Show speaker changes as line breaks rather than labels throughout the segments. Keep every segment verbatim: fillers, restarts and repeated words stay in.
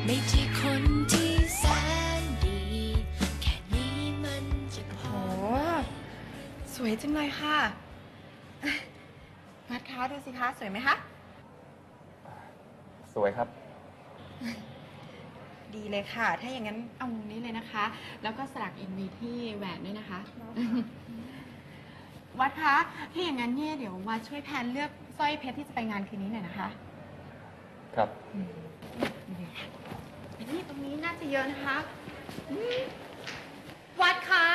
ไม่ใช่คนที่แสนดีแค่นี้มันจะพอ
โอ้สวยจังเลยค่ะวัดคะดูสิคะสวยไหมคะ
สวยครับ
ดีเลยค่ะ ถ้าอย่างนั้นเอามุมนี้เลยนะคะ แล้วก็สลักอินวีที่แหวนด้วยนะคะ วัดคะถ้าอย่างนั้นเนี่ยเดี๋ยววัดช่วยแพนเลือกสร้อยเพชรที่จะไปงานคืนนี้หน่อยนะคะ
ครับ
ไปที่ตรงนี้น่าจะเยอะนะคะ
วัดคะ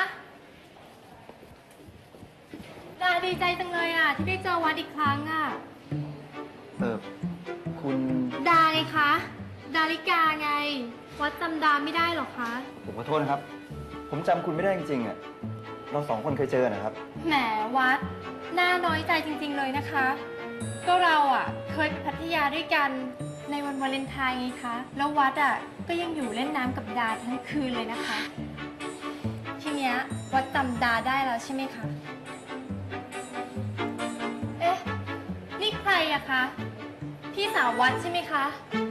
ดาดีใจจังเลยอ่ะที่ได้เจอวัดอีกครั้งอ่ะ
เออ คุณ
ดาไงคะ ดาริกาไง วัดจำดาไม่ได้หรอคะ
ผมขอโทษนะครับ ผมจำคุณไม่ได้จริงๆอ่ะ เราสองคนเคยเจอนะครับ
แหมวัดน่าน้อยใจจริงๆเลยนะคะ ก็เราอ่ะเคยไปพัทยาด้วยกันในวันวาเลนไทน์ไงคะ แล้ววัดอ่ะก็ยังอยู่เล่นน้ำกับดาทั้งคืนเลยนะคะ ทีเนี้ยวัดจำดาได้แล้วใช่ไหมคะ เอ๊ะ นี่ใครอะคะ พี่สาววัดใช่ไหมคะ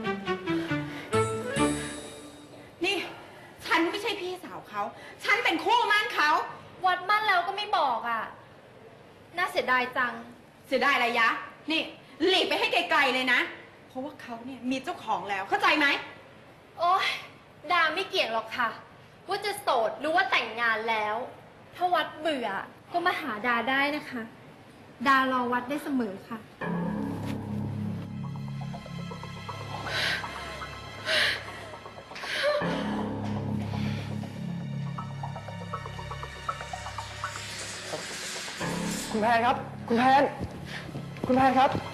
นี่ ฉันไม่ใช่พี่สาวเขา ฉันเป็นคู่มั่นเขา
วัดมั่นแล้วก็ไม่บอกอ่ะ น่าเสียดายจัง
เสียดายอะไรยะ นี่หลีกไปให้ไกลๆเลยนะ เพราะว่าเขาเนี่ยมีเจ้าของแล้ว เข้าใจไหม
โอ๊ย ดาไม่เกี่ยงหรอกค่ะ ว่าจะโสดหรือว่าแต่งงานแล้ว ถ้าวัดเบื่อก็มาหาดาได้นะคะ ดารอวัดได้เสมอค่ะ
คุณแพนครับ คุณแพน คุณแพนครับ